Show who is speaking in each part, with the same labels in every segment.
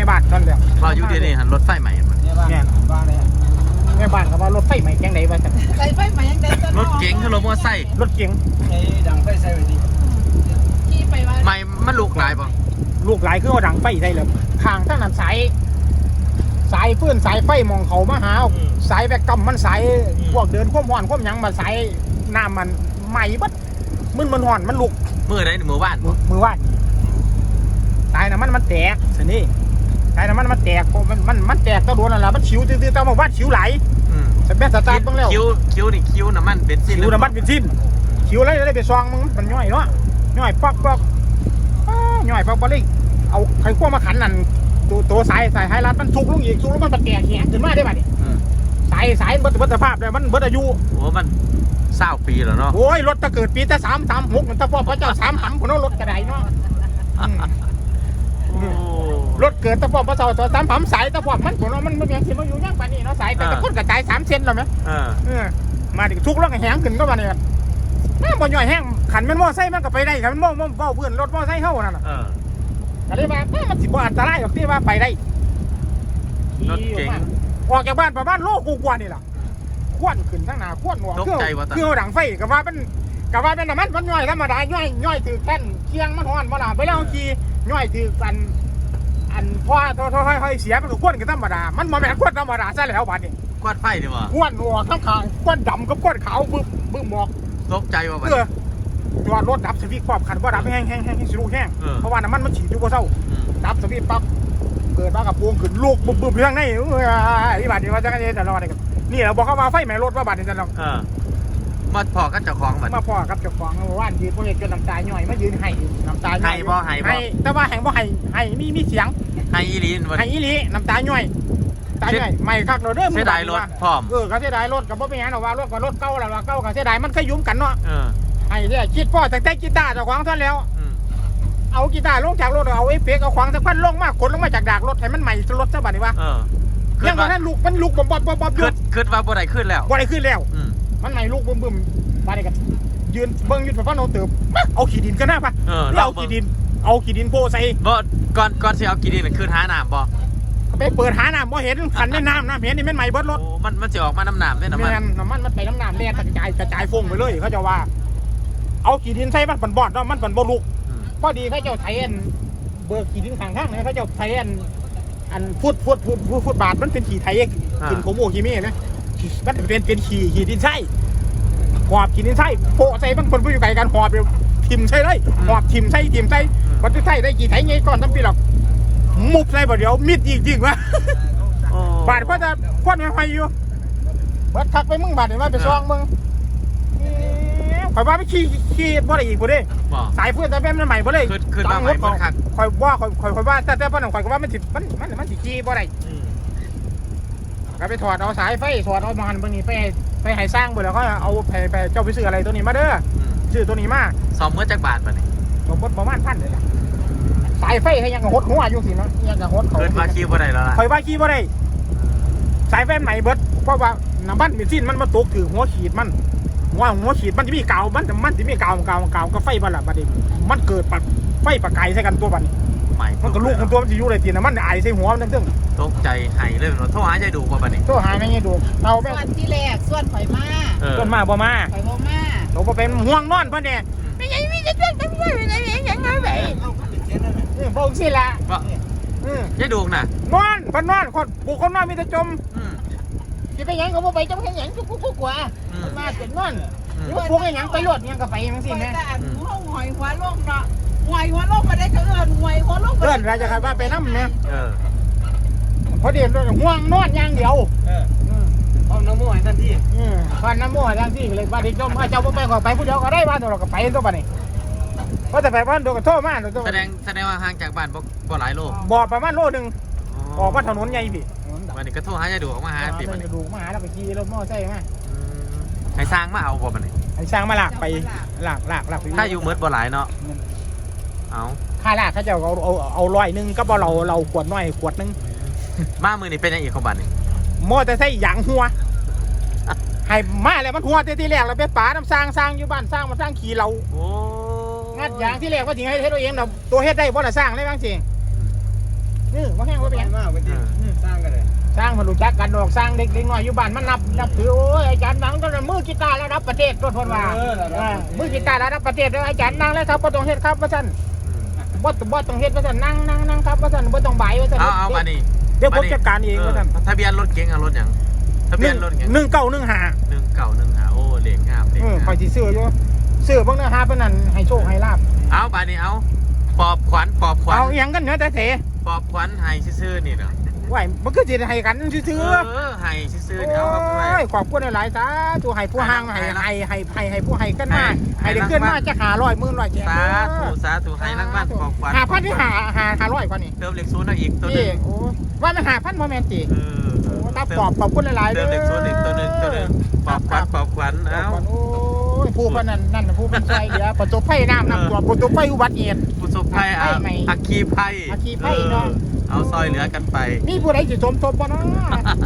Speaker 1: บ้านท่านเดียว
Speaker 2: พออยู่ที่นี่หันรถไฟใหม่มัน
Speaker 3: แม่บ้านบ้านเลย
Speaker 1: แม่บ้านก็ว่ารถไฟใหม่จังไดว่าซั่น
Speaker 4: ใส่ไฟใหม่ยังได้
Speaker 2: รถเก๋งคือรถมอเตอร์ไซค์
Speaker 1: รถเก๋ง
Speaker 3: ไอ้ดังไฟใส่ไว้ดิ
Speaker 4: ขี่ไปว่า
Speaker 2: ใหม่มันลูกหลายป่ะ
Speaker 1: ลูกหลายคือเอาดังไฟได้เลยข้างทั้งนั้นสายฟื้นสายไฟมองเขามาหาสายแบกกำมันสายพวกเดินความร้อนความหยังมาสายน้ำมันใหม่บัดมันร้อนมันลุก
Speaker 2: มือไหนมือว่าน
Speaker 1: มือว่านสายน้ำมันแตกสินี่สายน้ำมันแตกมันแตกตะโดนอะไรมันชิวตื้อๆตะมาว่าชิวไหลสเปซสตาร์ทบ้างแล้ว
Speaker 2: คิ้วนี่คิ้วน้ำมันเบนซิน
Speaker 1: ชิวน้ำมันเป็นสิ้นชิวอะไรได้ไปซองมึงมันย่อยเนาะย่อยปักย่อยปักบอลเลยเอาไข่ขั้วมาขันนั่นตัวสายไฮรัดมันทุกลงอีกทุกลงมันแตกแหงขึ้นมาได้ป่ะนี่สายเบิดสภาพเลยมันเบิดอายุ
Speaker 2: โอ้มัน20 ปีแล้วเนาะ
Speaker 1: โอ้ยรถถ้าเกิดปีแต่336มันถ้าพ่อพระเจ้า3 ผมเอารถกระไดเนาะรถเกิดถ้าพ่อพระเจ้าตัว3 สายถ้าพ่อมันผมว่ามันยังสิมาอยู่ยังป่านนี้เนาะสายแต่คนกระจาย3 เซนแล้วไหมมาดิทุกลงแหงขึ้นก็มาเนี่ยบ่ย่อยแห้งขันมันมอไซค์มันก็ไปได้ขันมันมอเบ้าเพื่อนรถมอไซค์เข้านั่นน่ะก็เลยว่ามันสิบ่อันตรายหรอกที่ว่าไปได้
Speaker 2: รถเก๋ง
Speaker 1: ออกจากบ้านประมาณโลกูกว่านี่ล่ะควนขึ้นทั้งหน้าควนหัวเครื่องดังไฟก็ว่าเป็นน้ำมันย่อยธรรมดาย่อยถือแท่นเคียงมันฮ้อนบ่ล่ะไปแล้วขี่ย่อยถืออันพอค่อยเสียมันก็ควนกันธรรมดามันบ่แม่นควนธรรมดาซะแล้วบัดนี้
Speaker 2: กวาดไฟดีวะ
Speaker 1: ควนหัวข้างควนดำกับควนขาวบึ้มหมอก
Speaker 2: ตกใจวะบัด
Speaker 1: จอดรถดับสวิตช์ครอบคันว่าดับแห้งสิลูกแห้งเพราะว่าน้ำมันฉีดอยู่บ่เศร้าดับสวิตช์ปั๊บเกิดมากับพวงขึ้นลูกบึ้มเรื่องในอีบาดนี้ว่าจะกันจะรอดนี่เราบอกเขามาไฟไหม้รถว่าบาดนี้จะลอง
Speaker 2: มาพอกันเจ้าของบัด
Speaker 1: มาพ่อกับเจ้าของว่านยืนพวกนี้จนน้ำตาย่อยมายืนให้น้ำตาย่อย
Speaker 2: ให้บ่
Speaker 1: แต่ว่าแห่งบ่ให้มีเสียง
Speaker 2: ให้อีลีนบัด
Speaker 1: ให้อีหลีน้ำตาย่อยตาย่อยไม่คักเด้อ
Speaker 2: เสียดายรถพร้อม
Speaker 1: ก็เสียดายรถกับบ่เป็นหยังหรอกว่ารถกับรถเก่าแล้วว่าเก่าก็เสียดายมันเคยยุ่มกันเนาะ ไอ้เนี่ยคิดพ่อแต่กีตาร์เจ้าของท่านแล้วเอากีตาร์ลงจากรถเอาไอ้เป๊กเอาขวางสักพันลงมากขนลงมาจากดากรถให้มันใหม่รถซะบัดนี้วะยังว่าท่านลุกมันลุกบอมหยุด
Speaker 2: ขึ้นว่าบ่ได้ขึ้นแล้ว
Speaker 1: บ่ได้ขึ้นแล้วมันใหม่ลุกบึ้มบัดนี้กันยืนเบิ่งยืนไปฟันเอาเติบเอาขี้ดินกันหน้าปะเอาขี้ดินโพใส่
Speaker 2: บ่ก่อนสิเอากี่ดินขึ้นหาน้ำบ่
Speaker 1: ไปเปิดหาน้ำบ่เห็นขันในน้ำเห็นนี่มันใหม่เบิดรถ
Speaker 2: มันจะออกมาน้ำได้น้ำมัน
Speaker 1: มันไปน้ำแล่กระจายฟงไปเลยเขาจะว่าเอาขี้ดินใส่มันปั่นบอดเนาะมันปั่นบ่ลุกพอดีเขาเจ้าไทยเบิกขี้ดินข้างๆนะเขาเจ้าไทยอันฟุตบาทมันเป็นขี้ไทยกินโคโมขี้เม่นะมันเป็นขี้ดินใส่หอบขี้ดินใส่โปะใส่มันคนผู้อยู่ไกลกันหอบทิมใส่เลยหอบทิมใส่มันจะใส่ได้กี่ไทยไงก่อนทำปีหรอกมุกใส่บ่เดี๋ยวมิดจริงวะบาทก็จะควันไม่อยู่เบิดทักไปมึงบาทเดี๋ยวมาไปซองมึงข่อยว่าไม่ขี้บ่ได้อีกบ่ได้สายเพื่อนแต่แม่มันใหม่บ่ได้
Speaker 2: ขึ้นมาใหม่บ่คัก
Speaker 1: ข่อยว่าแต่พ่อหนุ่มข่อยก็ว่ามันสิขี้บ่ได้ก็ไปถอดเอาสายไฟถอดเอามันบางนี้ไปให้สร้างบ่แล้วเขาเอาไปเจ้าไปซื้ออะไรตัวนี้มาเด้อซื้อตัวนี้มา
Speaker 2: ซ่อมเมื่อจักบาทบัดนี้
Speaker 1: สมมติประมาณ1,000เลยล่ะสายไฟให้ยังหดหัวอยู่สิเนาะยังหดเขา
Speaker 2: ขึ้นมาขี้บ่ได้แล้วล่ะ
Speaker 1: ข่อยว่าขี้บ่ได้สายไฟใหม่เบิดเพราะว่าน้ำมันมีสิ้นมันมาตกถือหัวขีดมันหัวขีดมันจะมีกาวมันจะมีกาวก็ไฟบ้านละบัดนี้มันเกิดไฟประกายใส่กันตัวบัดมันก็ลูกของตัวมันจะอยู่เลยทีนะมันไอใส่หัวมันตึ้ง
Speaker 2: ตกใจหายเลยโทรหาใจดูว่าบัดนี้
Speaker 1: โทรหาไม่ไงดูเราแม่
Speaker 4: วันที่แรกส่วนข่อยมา
Speaker 1: ส่วนมาบ่มา
Speaker 4: ข่อยบ่มา
Speaker 1: เราบ่เป็นห่วงนอนเพิ่นเนี่ยไม่ใช่มีจะต้องทำอะไรอย่างนั้นไปบอกสิล่ะ
Speaker 2: ใจดูน่ะ
Speaker 1: นอนเพิ่นนอนคนบุคคลนอนมีแต่จมจะไปยังก็บ่ไปจมแค่ยังกุ๊กกว่ามาเสร็จนอนพวกยังไปรถยังก็ไปยังสิแม่
Speaker 4: ห้องหอยหัวลงเนาะหอยหัวลงมาได้ก็หอยหัวลง
Speaker 1: เพื่อนเราจะขับว่าไปน้ำเนี่ยพอเดี๋ยวห่วงนอนอย่างเดียว
Speaker 3: ห้องน้ำมูกทันที
Speaker 1: ฟันน้ำมูกทันทีเลยบ้านเด็กจมเจ้าไปก่อนไปผู้เดียวก็ได้บ้านเราก็ไปตัวบ้านนี้เพราะแต่ไปบ้านโดนกระโทษมาก
Speaker 2: แสดงว่าห่างจากบ้านบ่หลายโล
Speaker 1: บ่ประมาณโลนึงออกมาถนนใหญ่พี่
Speaker 2: วันนี้ก็โทรหาใจดูออกมาหาปี
Speaker 1: มันดูมาหาแล้วไปขี่รถมอเตอร์ไซค์มา
Speaker 2: ให้สร้างมาเอาบ่บัดนี้
Speaker 1: ให้สร้างมาหลากไปหลาก
Speaker 2: ถ้าอยู่เมิดบ่หลายเนาะเอา
Speaker 1: ค่าหลากเขาจะเอา100ก็บ่เราขวดน้อยขวดนึง
Speaker 2: มามือนี่เป็นยังอีกของบัดนี้
Speaker 1: มอเตอร์ไซค์หยางหัวให้มาแล้วมันหัวที่แรกเราไปป่าน้ำสร้างอยู่บ้านสร้างมันสร้างขี่เรางัดยางที่แรกว่าจริงให้ตัวเองเราตัวเฮ็ดได้บ่ล่ะสร้างได้บ้างสิว่าแห้งว่าเป็น
Speaker 3: สร้างกันเลย
Speaker 1: สร้างมารู้จักกันดอกสร้างเด็กน้อยอยู่บ้านมันนับถือโอ้ยอาจารย์นังก็มือกีตาร์ระดับประเทศตัวทนว่ามือกีตาร์ระดับประเทศแล้วอาจารย์นั่งแล้วครับบ่ต้องเฮ็ดครับว่าซั่นบ่ต้องเฮ็ดว่าซั่นนั่งครับว่าซั่นบ่ต้องบ่ายว่าซั่น
Speaker 2: เอามานี่
Speaker 1: เดี๋ยวผมจัดการเองว่าซั่น
Speaker 2: ทะเบียนรถเก๋งรถหยังทะเบียนรถเก๋ง
Speaker 1: 1915
Speaker 2: โอ้เลขงามเลขงาม
Speaker 1: คอยสิซื้ออยู่ซื้อเบิ่งนะฮะเพิ่นนั่นให้โชคให้ลาบ
Speaker 2: เอาบาดนี้เอาปอบขวัญ
Speaker 1: เอาอีหยังกันเนาะแต่เส
Speaker 2: ปอบขวัญให้ซื่อๆนี่เนาะ
Speaker 1: ไหวมันคือสิให้กันซื่อ
Speaker 2: ให้ซื่อ
Speaker 1: ๆ
Speaker 2: ๆนี่เอาครับ
Speaker 1: โอ้ยขอบคุณหลายๆสาธุให้ผู้ห่างให้ผู้ให้กันมาให้ได้ขึ้นมาจะ500 10,000 100แจก
Speaker 2: สาธุให้รางวัลปอบขวัญ
Speaker 1: 5,000ที่500กว่านี่
Speaker 2: เติมเลขศูนย์เอาอีกตัวหนึ
Speaker 1: นี่
Speaker 2: ง
Speaker 1: โอ้ว่ามัน5,000บ่แม่นติ
Speaker 2: เออ
Speaker 1: โอ้ตาปอบขอบคุณหลายๆ
Speaker 2: เติ
Speaker 1: เด้
Speaker 2: ม
Speaker 1: อ
Speaker 2: เลขศูนย์อีกตัวหนึงปอบขวัญเอา
Speaker 1: โอ้ยผู้พนันนั่นผู้เป็นใจเหลือประสบภัยน้ำนำตัวประสบภัยอุบัติเหตุ
Speaker 2: ผู้สบภัยอัคคีภัย
Speaker 1: อัคคีภัยเนาะ
Speaker 2: เอาซอยเหลือกันไป
Speaker 1: นี่ผู้ใดสิสมทบบ่เนาะ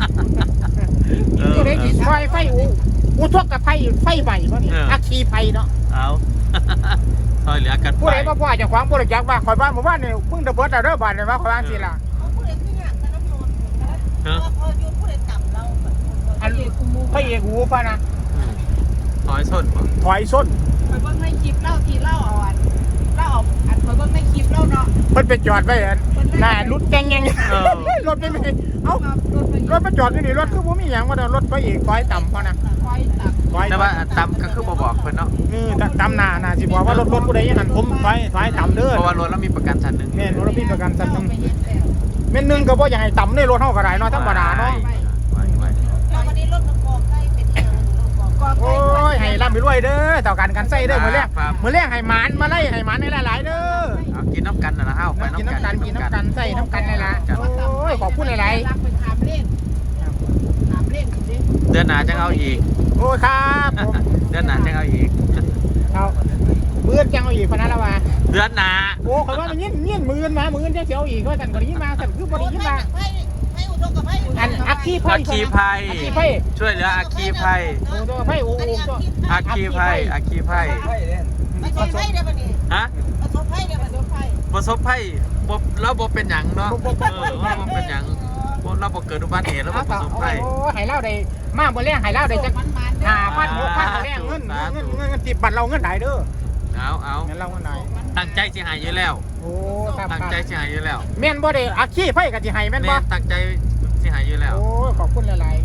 Speaker 1: ผู้ใดสิซอยไฟอุทกกับไฟใหม่บ่นี่อัคคีภัยเนาะ
Speaker 2: เอา ซอยเหลือกันไป
Speaker 1: ผู้ใดบ่พ่อเจ้าของบ่รู้จักว่าข่อยบ้านหมู่บ้านนี่เพิ่งระเบิดแล้วเด้อบ้านนี่ว่าข่อยว่าจังซี่ล่ะ
Speaker 4: ผู้ใดที่อยากจะน้ำนน
Speaker 2: เออ
Speaker 4: พออยู่ผู้ใดต่ำเรา
Speaker 1: อันพระเอกหูป่ะนะ
Speaker 2: ซอยส้นบ่
Speaker 1: ถอยส้น
Speaker 4: ไปเบิ่งในคลิปเล่าทีเล่าเอาอันเล่าเอาอันไปเบิ่งในคลิปเล่าเนาะ
Speaker 1: เพิ่นไปจอดไว้อันหน้ารถแกงยังรถไม่มีเอ้ารถมาจอดอยู่นี่รถคือบ่มีหยังว่าแต่รถพระเอกถอยต่ำพอนะ
Speaker 4: คอยตัก
Speaker 1: ถอย
Speaker 2: แต่ว่าตำก็คือบ่บอกเพิ่นเนาะ
Speaker 1: ต่ำหน้าสิบอกว่ารถผู้ใดอย่างนั้นผมถอยต่ำเด้อ
Speaker 2: เพราะว่ารถเรามีประกันชั้นหนึง
Speaker 1: แม่นรถพี่ประกันสัก
Speaker 4: เรา
Speaker 1: นึง
Speaker 4: ไปเฮ็ดแล้ว
Speaker 1: แม่นนึงก็บ่อยากให้ต่ำในรถเฮาก็ได้เนาะธรรมดาเนาะ
Speaker 2: ไว้
Speaker 4: แล้ววันนี้รถมันกองใกล้เป็นเรื่องกอง
Speaker 1: โอ้ยให้ร่ำไปรวยเด้อต่อกันใส่เด้อมื้อแรกให้หมานมาไล่ให้หมานให้หลายๆเด้อ
Speaker 2: เอากินน้ำกันนะเฮาไป
Speaker 1: กิน
Speaker 2: น้ำกัน
Speaker 1: น้ำกันใส่น้ำกันนี่ล่ะโอ้ยขอบคุณหลาย
Speaker 4: รักไปถามเล่นถามเล่นสิ
Speaker 2: เดือนหน้าจังเอาอีก
Speaker 1: ๆโอ้ยครับผม
Speaker 2: เดือนหน้าจังเอาอีก
Speaker 1: เอามือจังเอาอีกพนันละวะ
Speaker 2: เดือนหน้า
Speaker 1: โอ้เขาว่ามันเงี้ยมือมามือจะเสียวอีกว่าสั่นก็ได้ยินมาสั่นคือบริยินมา
Speaker 4: ให้อุดมกับให้
Speaker 1: อันอักขี้ไพ่
Speaker 2: อัคคีภัย
Speaker 1: อักขี้ไพ่
Speaker 2: ช่วยเหลืออัคคีภัย
Speaker 1: โอ้ตัวไพ่โอ้โห
Speaker 2: อัคคีภัย
Speaker 3: ไฟเล่น
Speaker 4: ไม่ใช่ไพ่เดี๋ยวนี้
Speaker 2: ฮะ
Speaker 4: ประสบไพ่เดี๋ยวประสบไพ่
Speaker 2: ประสบภัยบ่เราบ่เป็นหยังเนาะเราบ่เป็นหยังเราบ่เกิดอุบัติเหตุแล้วบ่ประสบภัย
Speaker 1: โอ้หายเล่าได้มากบนแรงหายเล่าได้จัง5,000 6,000แรงเงินติดบัตรเราเงินไหนเด้อ
Speaker 2: เอา
Speaker 1: เงินเราเงินไหน
Speaker 2: ตั้งใจสิหายอยู่แล้ว
Speaker 1: โอ้ครับ
Speaker 2: ตั้งใจสิหายอยู่แล้ว
Speaker 1: แม่นบ่ได้อักขี้ไพ่กับสิให้แม่นบ่
Speaker 2: ตั้งใจสิหายอยู่แล้ว
Speaker 1: โอ้ขอบคุณหลาย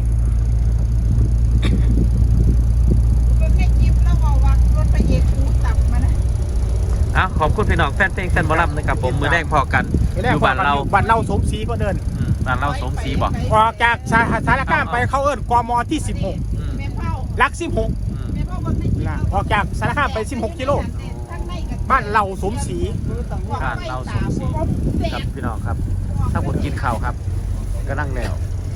Speaker 4: รถไม่จิบแล้วบอกว่ารถไปเอกคูตับมานะ
Speaker 2: ขอบคุณพี่น้องแฟนเพลงแฟนบอลลัมนะครับผมมือแดงพอกันอยู่บ้านเรา
Speaker 1: บ้านเราสมศรีก็เดิน
Speaker 2: บ้านเราสมศรีบอก
Speaker 1: ออกจากสารคามไปเข้าเอิ้นกมที่16
Speaker 4: แม่เฝ้า
Speaker 1: หลัก16
Speaker 4: แม่เฝ้าบนไม่จิบ
Speaker 1: ออกจากสารคามไป16กิโลบ้านเราสมศรี
Speaker 2: บ้านเราสมศรีครับพี่น้องครับ ถ้าผมกินข้าวครับก็นั่งแล้ว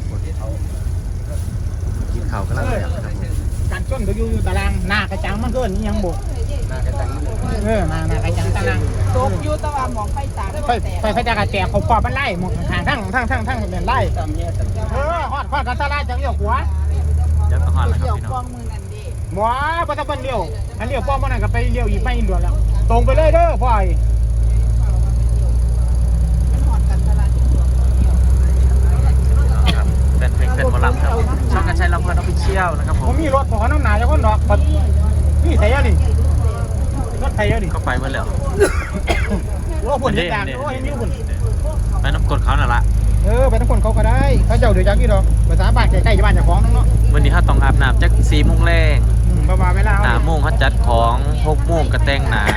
Speaker 2: กินข้าวก็นั่งแล้วครับผม
Speaker 1: การชนก็อยู่ตารางหน้ากระจังมันเกินยังบ่
Speaker 3: หน้ากระจังนี่
Speaker 1: หน้ากระจังตาราง
Speaker 4: ตกอยู่ตะวันมองไฟตา
Speaker 1: ไฟจะกระแจกเขาปอบมันไล่หมดทางทั้งเป็นไล่
Speaker 3: ตามเนี่ยตาม
Speaker 1: ฮอดกันตาลาจังเลี้ยวหัว
Speaker 2: เดี๋ยวก็ฮอดแล้วครับ
Speaker 4: เกี่ยว
Speaker 2: พี่
Speaker 4: ก
Speaker 2: น้
Speaker 4: อ
Speaker 2: อง
Speaker 4: งมือนั่นดิ
Speaker 1: หมอบ่ต้องเปิ้นเลี้ยวอันเลี้ยวป้อมมันนั่นก็ไปเลี้ยวอีกไม่ด่วนแล้วตรงไปเลยเด้อพ่อย
Speaker 4: มันหอดกันตลาดที่ตัว
Speaker 2: ครับแฟนเพลงแฟนบอลลัมครับช่องกันใช้ลำเพลินออฟฟิเชียลนะครับผ
Speaker 1: ผม มมีรถขอน้ำหนาจะคนดอกนี่ไทยอ่ะดิรถไทยอ่ะดิ
Speaker 2: ก็ไปเมื่อแล้ว
Speaker 1: โอ้ฝุ่นยางโอ้ยมีฝุ่น
Speaker 2: ไปน้ำกดเขาน่ะละ
Speaker 1: ไปทั้งคนเขาก็ได้เขาเจ้าเดือดจังกี่ดอกภาษาบ้านใกล้ๆบ้านเจ้าของน้อง
Speaker 2: วันนี้เขาต้องอาบน้ำจัก4 โมงแรง
Speaker 1: ประมาณเวลา
Speaker 2: 5 โมงเขาจัดของ6 โมงกระแตงหนา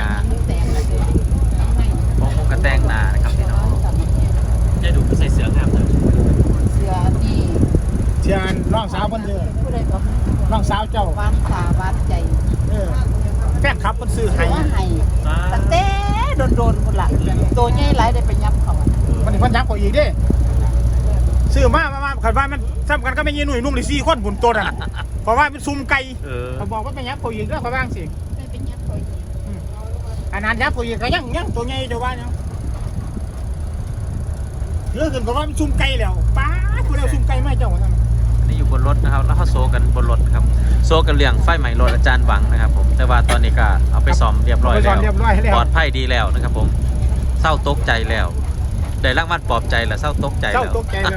Speaker 2: 6 โมงกระแตงหนานะครับพี่น้องจะดูใส่เสื้องามเลย
Speaker 4: เสือนี่
Speaker 1: เชียนน้องสาวคนเดียว
Speaker 4: ผู้ใดก็
Speaker 1: น้องสาวเจ้า
Speaker 4: บ้านตาบ้านใจ
Speaker 1: แฟนครับคนซื้อให้
Speaker 4: ว่าให้ตั้งแต่โดนคนละตัวใหญ่หลายได้ไปยับเขา
Speaker 1: มันถึงพันยักษ์กว่าอีกดิซื้อมาขันว่ามันซ้ำกันก็ไม่ยืนหนุ่ยนุ่มเลย4 คนบุญตัวน่ะเพราะว่าเป็นซุ่มไก่เขาบอกว่าเป็นยักษ์กว่าอีกเด้อเขาบ้างสิ
Speaker 4: ได้ไปยับเขา
Speaker 1: อันนั้นยักษ์กว่าอีกก็ยังตัวใหญ่เจ้าว่ายังเรื่องอื่นก็ว่ามันซุ่มไก่แล้วป้าคุณเอาซุ่มไก่ไม่เจ้าว่าทำ
Speaker 2: นี่อยู่บนรถนะครับแล้วเขาโซกันบนรถครับโซกันเรื่องไฟใหม่รถอาจารย์หวังนะครับผมแต่ว่าตอนนี้ก็เอาไปซ่อมเรียบร้อยแล้วปลอดภัยดีแล้วนะครับผมเศร้าตกใจแล้วได้รางวัลปลอบใจแล้วเศร้าตกใจ
Speaker 1: เจ้า
Speaker 2: แล้ว
Speaker 1: ตกใจเลย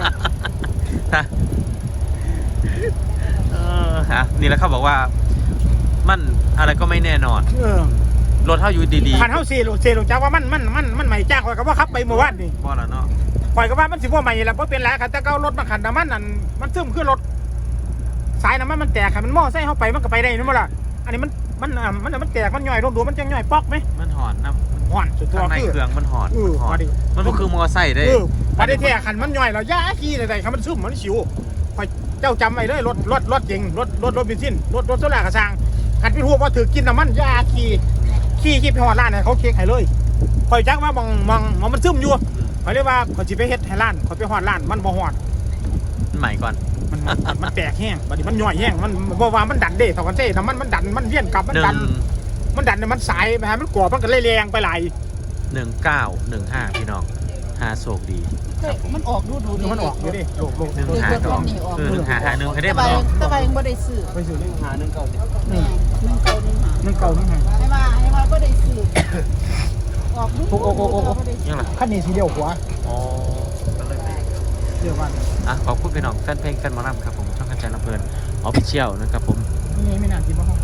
Speaker 2: ฮะนี่แหละเขาบอกว่ามันอะไรก็ไม่แน่นอน รถเท่าอยู่ดี
Speaker 1: คันเฮาซีลงจากว่ามันใหม่จ้างข่อยก็ว่าขับไปเมื่อวานนี่
Speaker 2: ๆบ่แล้วเนาะ
Speaker 1: ข่อยก็ว่ามันสิบ่ใหม่แล้วบ่เป็นไรคันแต่เก่ารถมันคันน้ำมันนั่นมันซึมคือรถสายน้ำมันแตกคันมันมอไซค์เฮาไปมันก็ไปได้นี่บ่ล่ะอันนี้มันแตกมันย่อยลงดูมันจังย่อยปอกไหม
Speaker 2: มันหอนนะ
Speaker 1: ห่อนสุดตัว
Speaker 2: ข้างใน
Speaker 1: คือ
Speaker 2: เครื่องมันหอน
Speaker 1: พอดี
Speaker 2: มันก็คือมอไซค์ได้
Speaker 1: พอได้แท้คันมันย่อยแล้วย่าขี้ได้คันมันซึมมันสิวข่อยเจ้าจำไว้เลยรถจริงรถเบนซินรถโซล่ากระซังคันพี่ฮู้ว่าถือกินน้ำมันย่าขี้ไปฮอดร้านให้เขาเค้กให้เลยข่อยจักว่ามองมันซึมอยู่ข่อยเลยว่าข่อยสิไปเฮ็ดให้ร้านข่อยไปฮอดร้านมันบ่ฮอด
Speaker 2: ใหม่ก่อน
Speaker 1: มันแตกแห้งบัดนี้มันย่อยแห้งมันบ่ว่ามันดันเด้เท่ากันเซ่ถ้ามันดันมันเวียนกลับมันดันเนี่ยมันสายไปหามันกรอบมันก็เลยแรงไปหลาย
Speaker 2: 1915พี่น้อง5โชคดี
Speaker 4: มันออกดู
Speaker 1: มันออกอยู่ดิโลก
Speaker 2: 152คือ151ให้ได้มาออก
Speaker 4: ตะไบยังบ่ได้ซื้อ
Speaker 1: ไปซื้อเลย
Speaker 3: หา1 9
Speaker 1: มันเก่านั่นไง
Speaker 4: ให้ว่าบ่ได้ซื้อออกดู
Speaker 2: ยังล่ะ
Speaker 1: คันนี้สีเดียวหัว
Speaker 2: อ๋อก็เลยไป
Speaker 1: เดียวกัน
Speaker 2: ขอบคุณพี่น้องแฟนเพลงแฟนหมอลำครับผมช่องกันใจลำเพลินออฟฟิเชียลนะครับผม
Speaker 1: นี่ไม่น่ากินบ้าง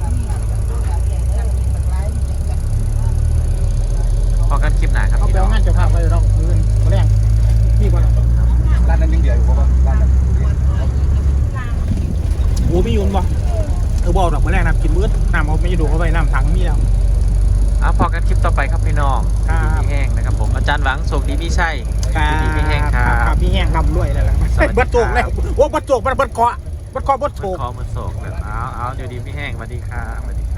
Speaker 2: พอกันคลิปหน้าครับ
Speaker 1: เอา
Speaker 2: พี่
Speaker 1: ไป
Speaker 2: น้อง
Speaker 1: งานเจ้าภาพไปเราเงินมาแรงพี่ก่อน
Speaker 3: ร้านนั้นยังเดียวอยู่บ่ร้านนั้น
Speaker 1: โอ้ไม่ยุ่นบ่บอกดอกมาแรงน้ำกินมื้อน้ำเอาไม่ดูเข้าไปน้ำถังมีแล้ว
Speaker 2: พอกันคลิปต่อไปครับพี่น้อง
Speaker 1: ครับ
Speaker 2: พี่แห้งนะครับผมอาจารย์หวังโชคดีพี่ชัย ดีพี่แห้งครับ
Speaker 1: พี่แห้งลำด้วยแล้วล่ะ
Speaker 2: สวัสดีครับ
Speaker 1: บัดโจกแล้วโอ้บัดโจกบัดเกาะบัดโจก
Speaker 2: คอมันโศกแบบเอาเดี๋ยวดีพี่แห้งสวัสดีครับสวัสดี